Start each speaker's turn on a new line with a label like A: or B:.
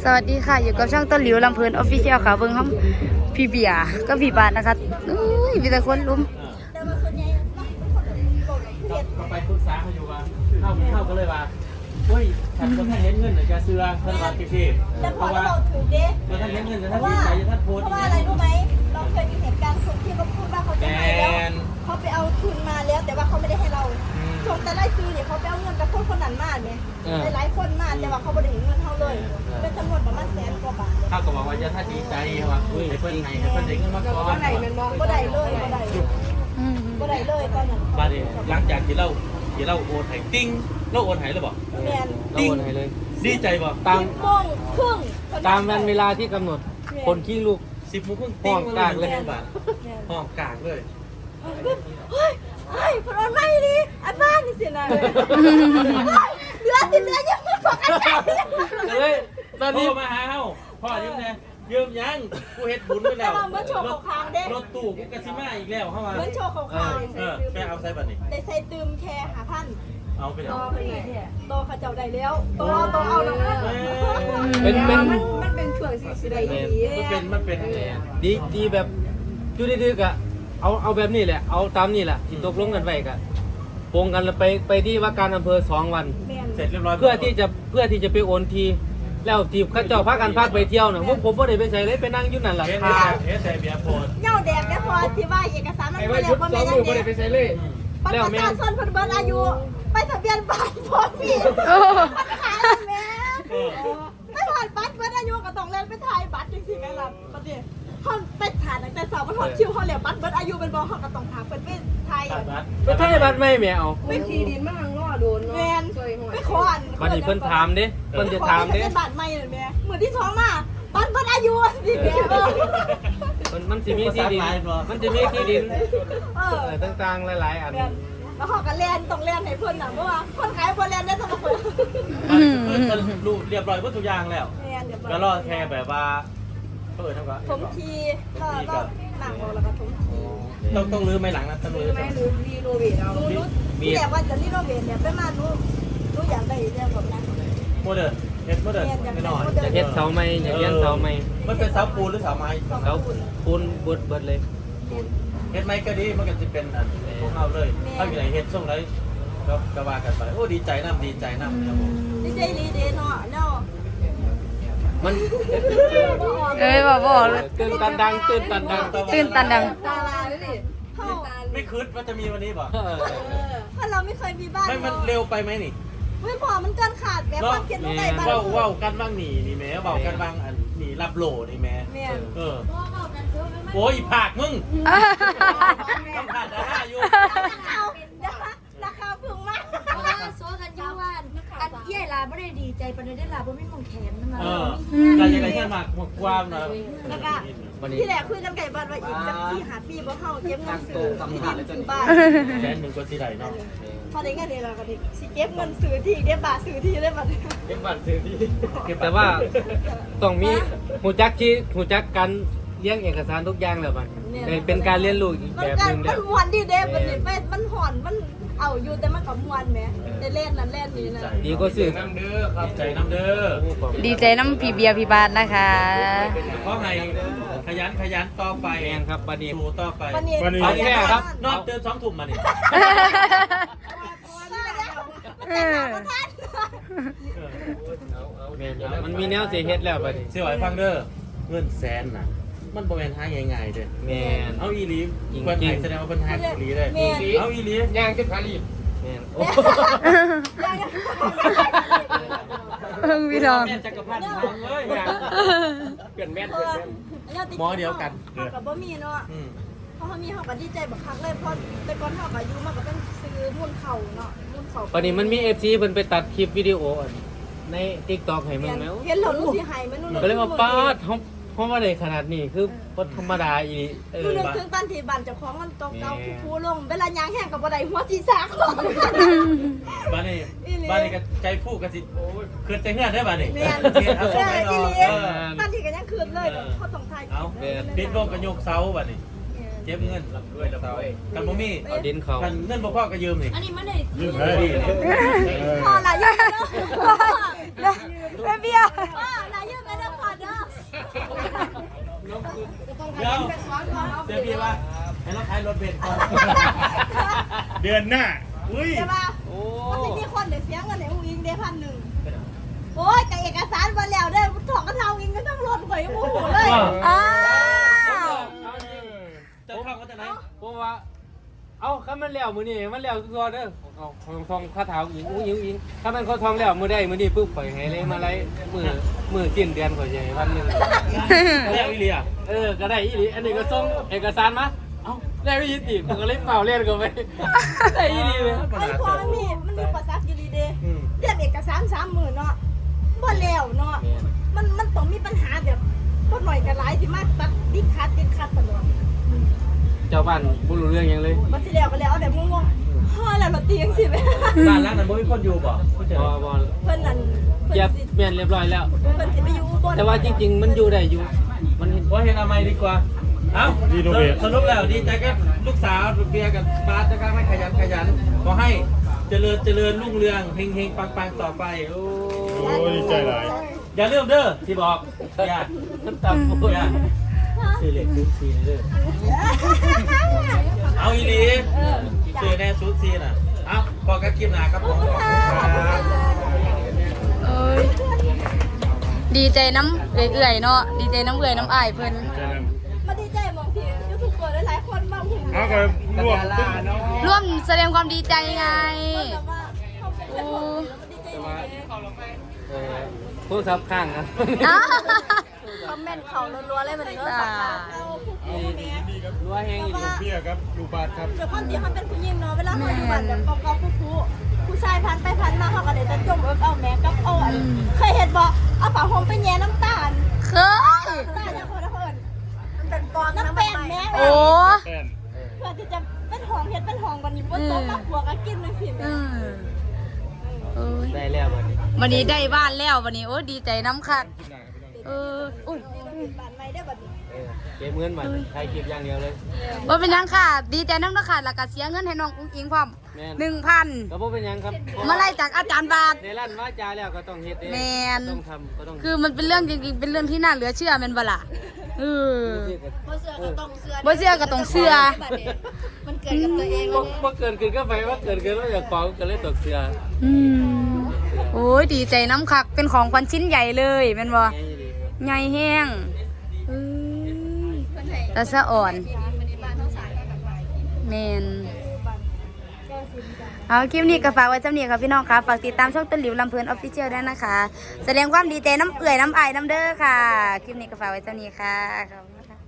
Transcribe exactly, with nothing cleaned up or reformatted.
A: สวัสดีค่ะอยู่กับช่องต้นหลิวลำเพลินออฟฟิเชียลค่ะเบิ้งห้องพี่เบียร์ก็พี่บาทนะคะอุ้ยมีแต่คนลุ้ม
B: ก็ไปปรึกษาเขาอยู่ว่าเข้าเข้าก็เลยว่าเฮ้ยฉันก็ท่านเห็นเงินหรือจะเสื้อท่านว่าพี่พี่เพราะว่าเราท่านเห็นเงินจะท่านที่ไหนจะท่านโพสต์
C: เพราะว่าอะไรรู้ไหมเราเคยมีเหตุการณ์คนที่เขาพูดว่าเขาจะให้แล้วเขาไปเอาทุนมาแล้วแต่ว่าเขาไม่ได้ให้เราชงแต่ไล่ซื้อเนี่ยเขาไปเอาเงินกับคนคนนั้นมาเนี่ยหลายคนมาแต่ว่าเขาไม่ได้เห็นเงินเขาเลยเป็นจำนวนประมาณแสนกว่าบาท
B: เขาก็บอกว่าจะท่านดีใจว่าเฮ้ยเพื่อนไงเพื่อนเด็กเงินมาก่อน
C: บ่ได้เลยบ่ได้บ่ได้เลยตอนนั้น
B: มาดิหลังจากที่เราที่เราโอนให้ติ้งเราโอนให้หรือเปล่า
C: แมน
D: เราโอนให้เลย
B: ดีใจป่ะ
D: ตาม
C: สิบโมงครึ่ง
D: ตามวันเวลาที่กำหนดคนขี้ลูก
B: สิบโมงครึ่งติ้งห้องกลางเลยบาทห้องกลางเลย
C: เฮ้ยเฮ้ยพลอนไม่ดีอันบ้านนี่สินะเหลือสิเหลือยังไม่พอกันใจ
D: เฮ้ยตอน
B: โทร
D: นี้
B: มาหาเฮาพ่อยืมแน่ยืมยังกูเฮ็ดบุญไปแล้วรถตู้กูกระซิมาอีกแล้วเข้ามา
C: เหมือนโชว์ขาว
B: เออแค่เอาไซบัตรนี่
C: ๆแต่ใส่ตืมแค่หาพัน
B: เอาไป
C: โต
B: เอา
C: ไปเลยโตเขาเจ้าได้แล้วโตโตเอาแล้ว
D: เป็นเป็น
C: มันเป็นช่วงสิสิได้ดี
B: มันเป็นมันเป็น
D: ดีดีแบบจุดดื้อๆกะเอาเอาแบบนี้แหละเอาตามนี่แหละที่ตกลงกันไว้กะโปงกันแล้วไปไปที่ว่าการอำเภอสองวัน
C: แม่น
B: เสร็จเรียบร้อย
D: เพื่อที่จะเพื่อที่จะไปโอนทีแล้วทีข้าเจ้าพากันพาไปเที่ยวน่ะพวกผมบ่ได้ไปใส่เลยไปนั่งอยู่นั่นแหละ
B: เฮ็ด
D: ค่ะ
B: เฮ็ดแต่เบียร์โพด
C: เหย้าแดกได้พอที่ว่าเอกสารมันบ่แล้วบ่แม่นยังเด้
D: เลย
C: บัตรประชาชนเพิ่นเบิดอายุไปทะเบียนบ้านพร้อมพี่
A: โอ้
C: มันขายแม่ไม่ผ่านบัตรเบิดอายุก็ต้องเล่นไปถ่ายบัตรจังซี่แม่ล่ะบัดนี้เฮาไปถ่ายตั้งแต่เช้ามันฮอดคิวเฮาแล้วบัตรเบิดอายุเป็นบ่เฮาก็ต้องถามเพิ่นไปถ่าย
B: ตัดบัตร
D: ไปถ่ายบัตรไม่แม่เอา
C: ไปขี่ดินมาทางล้อโดนเนาะแม่นไปขออัน
D: บัดนี้เพิ่นถามเด้เพิ่นจะถามเด้
C: เป็นบัตรใหม่เลยแม่มื้อที่สองมาบัตรเบิดอายุสิแม่เออ
D: มันมันจะมีที่ดินมันจะมีที่ดิน
C: เออ
D: เออต่างๆหลายๆอัน
C: แล้วเขาก็เล่นต้องเล่นให้เพื่อนหนังเพราะว่าคนขายบอลเล่นได้ทั้งหมด
B: สรุปเรียบร้อยหมดทุกอย่างแล้ว
C: เล่นเดี๋ยว
B: ก็รอแค่แบบว่าเปิดเท่ากับ
C: ถมทีก็ก็หนังเราแล้วก็ถมที
B: ต้องต้องรื้อไม่หลังนะต้องรื้อ
C: ไม่รู้รีโนเวทเอารู้ที่แรกว่าจะรีโนเวทเนี่ยไปมารู้รู้อยากได้เรื่องแบบนั้น
B: โมเดิร์นเฮ็ดโมเดิร์นไม่นอน
D: อยากเฮ็ดเสาไม้อยากเลี้ยงเสาไม้
B: มันเป็นเสาปูนหรือเสาไม้
D: เสาปูนเบิดเบิดเลย
B: เฮ็ดไม้ก็ดีมันก็จะเป็นอันพวกเราเลยถ้าอยู่ไหนเฮ็ดส่งไรก็ก็ว่ากันไปโอ้ดีใจน้ำดีใจน้ำครับผม
C: ดีใจดีเดเนาะเนาะ
D: มัน
A: เอ้ยบอกบอกเลย
D: ตื่นตันดังตื่นตันดัง
A: ตื่นตันดัง
C: ตาลาเลยดิเขา
B: ไม่คิดว่าจะมีวันนี้ป่ะ
D: เออ
C: ถ้าเราไม่เคยมีบ้าน
B: ไม่มันเร็วไปไหมนี่
C: ไม่พอมันเกินขาดแบบความคิดรู้ไงบ้าน
B: ว่าว่ากันบ้างหนีนี่แม่ว่ากันบ้างอันหนีรับโหลนี่แม่
C: แม่
B: เออโอ้ยผากมึงต้องผ่านดาราอยู่
C: เอาราคาพึงมาก
E: โซกันยูว่าอันเย่ลาไม่ได้ดีใจปานได้ลาเพราะไม่มองแขนนั่นมา
B: เออแต่ยังไงแค่มากกว้างนะ
C: แล้วก็ที่แหละคุยกันไก่บ้านว่าอีกจากที่หาปีบ่เฮาเก็บเงินซื้อที่ดินซื้อบ้าน
B: แสนหนึ่งก็สิได้เนาะ
C: พอได้เงินเดือนเราก็ดิสิเก็บเงินซื้อที่เก็บบาทซื้อที่ได้บัด
B: เก็บบัตรซื้อที่
D: แต่ว่าต้องมีหูจักที่หูจักการเลี้ยงเอกสารทุกอย่างแล้วมันเป็นการเรียนรู้อีก
C: มั
D: แบ
C: น
D: บ
C: กั
D: ห
C: น
D: นึง
C: มั
D: แล้
C: น
D: ว
C: มวนดีเด้บัดนี้ไปมันห่อนมันเอาอยู่แต่มันก็มวนแหมได้เล่นนั่นเล่นนี่นะ
D: ดีก็สื่อ
B: น้ำเด้อครับใจน้ำเด้อ
A: ดีใจน้ำพี่เบียร์พี่บาทนะคะ
B: เพราะไงขยันขยันต่อไป
D: แมนครับปานี
B: สู้ต่อไป
C: วันนี้
D: เอาแค่ครับ
B: นอกเติมสองถุ่มมานี่
A: เออ
D: แมนครับมันมีแนวเสียเฮ็ดแล้วปานี
B: เสียไหวฟังเด้อเงินแสนน่ะมันบ่แม่นหาง่ายๆเด้อ
D: แมน
B: เอาอีหลีเพิ่นให้แสดงว่าเพิ่นหาอีหลีเลยเอาอีหลี
D: ย่างขึ้นขาลีบแมนโอ้
A: เพิ่งพี่น้อง
B: แม่นจักรพรรดิทางเลยเปลี่ยนแม่น
C: เอ
B: เปลี่ยน
C: อ
B: แม่น
C: แล้วติ๊ก
B: หมอเดียวกัน
C: เฮาก็บ่มีเนาะ
B: อืม
C: เพราะเขามีเขาก็ดีใจบักคักเลยเพราะแต่ก่อนเขาก็อายุมากก็ต้องซื้อมุ่นเข่าเนาะมุ่นเข่า
D: ปานีมันมี เอฟ ซี เพิ่นไปตัดคลิปวิดีโออันใน TikTok ให้มึงแล้ว
C: เห็นเหล่านู้นสิหายไหมนู้น
D: ก็เลยว่าป้าดเฮาเฮาบ่ได้ขนาดนี้คือบ่ธรรมดาอีเอ
C: นู้
D: อน
C: นึกถึงตอนที่บ้านเจ้าของมันเก่าๆคูๆลงเวลายางแห้งกับบ่ได้หัวสีสากของ
B: บ้านนี้บ้านนี้ก็ใจฟูก็สิเกิดใจเฮือนได้บ้านนี้
C: แม่น
B: เฮ็ดเอาส่งให้
C: อี
B: เนาะ
C: หลี
B: เออ
C: ตอนที่ก็ยังคืนเลยเขาต้องทาย
B: เอาปิดโลกก็โยกเสาบ้านนี้เก็บเงินรับด้วยรับด้วยกันบ่มี
D: เอาดินเขา
B: กันเงินบ่พอก็ยืมนี่
E: อันนี้มันได้
B: ยืมให้ดี
C: พ่อหลายยืมเนาะ
A: แม่เบียร์
C: พ่อหลายยืมเนาะ
B: ายรถเบนซ์ก่อน
F: เดือนหน้าอุ้ย
C: ใช่ป่ะ
D: โอ้
C: มันจะมีคนเดี๋ยวเสียเงินในอุ้งอิงได้พันหนึ่งโอ้ยกับเอกสารมาแล้วได้ถอกกระเทาอิงก็ต้องรถข่อยมูหูเลย
A: อ้าว
B: จะเข้าก็จะไหน
D: เพราะว่าเอาคันมันแล้วมื้อนี้มันแล้วตัวเด้อเอาของทองคาถาอิงอุ้งอิงอิงคันมันเขาทองแล้วมื้อใดมื้อนี้ปุ๊บข่อยให้เลยมาไล่มื้อมื้อสิ้นเดือนข่อยสิให้พันหนึง
B: เรียกอีเลีย
D: เออก็ได้อีหลีอันนี้ก็ส่งเอกสารมาเอ้าได้อีหลีติมันก็เลยเป่าเล่นกันไปได้อีหลีเลย
C: ไอ้พวกมันมีมันมีประสักอยู่ดีเด้เรียกเอกสารสามหมื่นเนาะบ่แล้วเนาะมันมันต้องมีปัญหาแบบบ่หน่อยกันหลายที่มาตัดดิคัดดิคัดตลอด
D: เจ้าบ้านบ่รู้เรื่องหยังเลย
C: บ่สิแล้วก็แล้วเอาแบบงงๆฮ่อแล้วมาตีจังซี่แม่
B: บ้านหลังนั้นบ่มีคนอยู่บ่ผู้เจอ
D: บ่บ่
C: เพิ่นนั่นเพิ่
D: เก็บ
C: นสิ
D: แม่นเรียบร้อยแล้ว
C: เพิ่นสิไปอยู่อุบล
D: แต่ว่าจริงๆมันอยู่ได้อยู่มันเห็น
B: ว่าเห็นอะไรดีกว่า เอ้าสรุปแล้วดีใจกับลูกสาวเบียร์กับบาสจะกล้าไม่ขยันขยันขอให้เจริญเจริญรุ่งเรืองเฮงเฮงปังปังต่อไปโอ้
F: โอ้ยดีใจหลาย
B: อย่าลืมเด้อที่บอกอย่า
D: น้ำตาโอ้ย
B: อย่าซื้อเหล็กซื้อซีเด้อเอาอีหลีซื้อแน่ซูซีน่ะเอ้าบอกกันคลิปหน้าครับผม
A: เอ้ยดีใจน้ำเอื่อยๆเนาะดีใจน้ำเอื่อยน้ำอายเพิ่น
F: ใจนั้น
C: มาดีใจมองที่ยูทูบเบอร์หลายๆคนมาหุ่น
F: เอาก็รวมตึ้ง
A: ร่วมแสดงความดีใจไง
C: แต่ว่าเขาเป็นคนดีใจมาก
D: เออโทรศัพท์ข้างนะ
A: อ้าว
E: คอมเมนต์เขารัวๆเลยมันเนื้อสัตว์
C: เอาผู้ผู้แม่
D: รัวแห้งอีก
F: เบี้ยครับลูกบาทครับ
C: เดี๋ยวคนที่เขาเป็นผู้หญิงเนาะเวลาเขาอยู่บ้านแบบเก่าๆผู้ผู้ผู้ชายพันไปพันมาเขาก็เลยจะจมเอิบเอาแม่กับเอาอันเคยเห็นบอกเอาผ้าห่มไปแย่น้ำตาล
A: เคย
C: น้ำตาลเนี่ยคนละคน
E: มันเป็นปอน
C: น้ำแป้งแม่
A: โอ้
F: แป้น
C: เพื่อที่จะเป็นหองเห็ดเป็นหองวันนี้บนโต๊ะมาผัวก็กินเลยสิ
A: อืมเอ้ย
D: ได้แล้วบัดนี้
A: วันนี้ได้บ้านแล้ววันนี้โอ้ดีใจน้ำคักเอออุ้ย
C: บ้านใหม่ได้บัดนี้
D: เออเก็บเงินมาใช้คลิปอย่างเดียวเลย
A: ว่าเป็นหยังค่ะ ดีใจน้ำนะค่ะแล้วก็เสียเงินให้น้องอุ้งอิงพร้อม
D: แม่น
A: หนึ่งพัน
D: ก็บ่เป็นหยังครับ
A: มาไล่จากอาจารย์บาท
D: ในร้านว่าจาแล้วก็ต้องเฮ็ดเอง
A: แม่น
D: ต้องทำก็ต้อง
A: คือมันเป็นเรื่องจริงๆ เป็นเรื่องที่น่าเหลือเชื่อแมันบล่ะเออ
E: บ่เสือก็ต้องเสือ
A: บ่เชื่อก็ต้องเชื่อ
E: มันเกิดกับตัวเอง
D: บ่
E: แล้ว
D: บ่เกินขึ้นก็ไปว่าเกินขึ้นว่าอยากของก็เลยตกเสือ
A: อืมโอ้ยดีใจน้ำคัก เป็นของขวัญชิ้นใหญ่เลยแม่นบ่
D: ง่ายดีครับ
A: ใหญ่แห้งเอ้ยตาสะอ่อนแมนเอาคลิปนี้ก็ฝากไว้จำเนียค่ะพี่น้องค่ะฝากติดตามช่องต้นหลิวลำเพลินออฟฟิเชียลด้วยนะคะ แสดงความดีใจน้ำเอื่อยน้ำอายน้ำเด้อค่ะ คลิปนี้ก็ฝากไว้จำเนียค่ะขอบคุณค่ะ